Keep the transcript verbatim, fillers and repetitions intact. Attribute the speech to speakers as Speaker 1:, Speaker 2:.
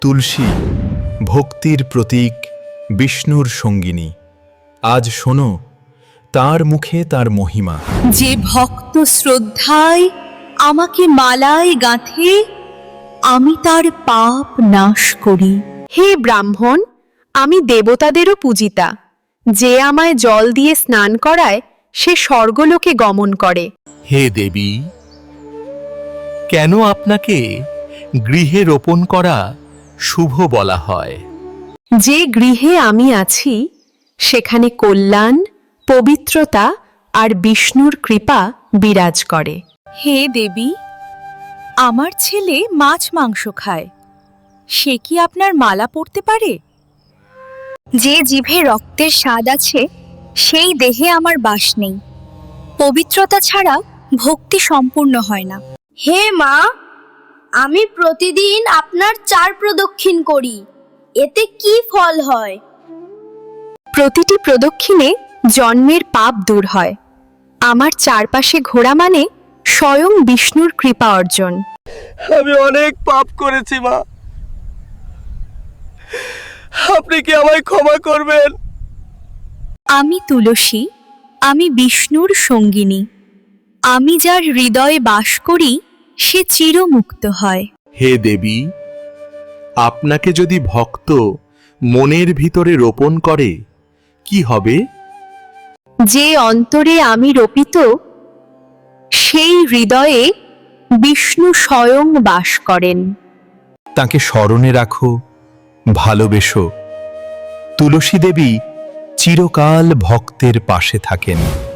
Speaker 1: তুলসী ভক্তির প্রতীক, বিষ্ণুর সঙ্গিনী। আজ শোনো তার মুখে তার মহিমা।
Speaker 2: যে ভক্ত শ্রদ্ধায় আমাকে মালায় গাঁথে, আমি তার পাপ নাশ করি।
Speaker 3: হে ব্রাহ্মণ, আমি দেবতাদেরও পূজিতা। যে আমায় জল দিয়ে স্নান করায় সে স্বর্গলোকে গমন করে।
Speaker 4: হে দেবী, কেন আপনাকে গৃহে রোপণ করা শুভ বলা হয়?
Speaker 3: যে গৃহে আমি আছি সেখানে কল্যাণ, পবিত্রতা আর বিষ্ণুর কৃপা বিরাজ করে।
Speaker 2: হে দেবী, আমার ছেলে মাছ মাংস খায়, সে কি আপনার মালা পরতে পারে? যে জিভে রক্তের স্বাদ আছে সেই দেহে আমার বাস নেই। পবিত্রতা ছাড়া ভক্তি সম্পূর্ণ হয় না।
Speaker 5: হে মা, আমি প্রতিদিন আপনার চার প্রদক্ষিণ করি, এতে কি ফল হয়?
Speaker 3: প্রতিটি প্রদক্ষিণে জন্মের পাপ দূর হয়। আমার চারপাশে ঘোরা মানে স্বয়ং বিষ্ণুর কৃপা অর্জন।
Speaker 4: আমি অনেক পাপ করেছি মা, আপনি কি আমায় ক্ষমা করবেন?
Speaker 2: আমি তুলসী, আমি বিষ্ণুর সঙ্গিনী। আমি যার হৃদয়ে বাস করি সে চিরমুক্ত হয়।
Speaker 4: হে দেবী, আপনাকে যদি ভক্ত মনের ভিতরে রোপণ করে কি হবে?
Speaker 3: যে অন্তরে আমি রোপিত সেই হৃদয়ে বিষ্ণু স্বয়ং বাস করেন।
Speaker 1: তাকে স্মরণে রাখো, ভালোবেসো। তুলসী দেবী চিরকাল ভক্তের পাশে থাকেন।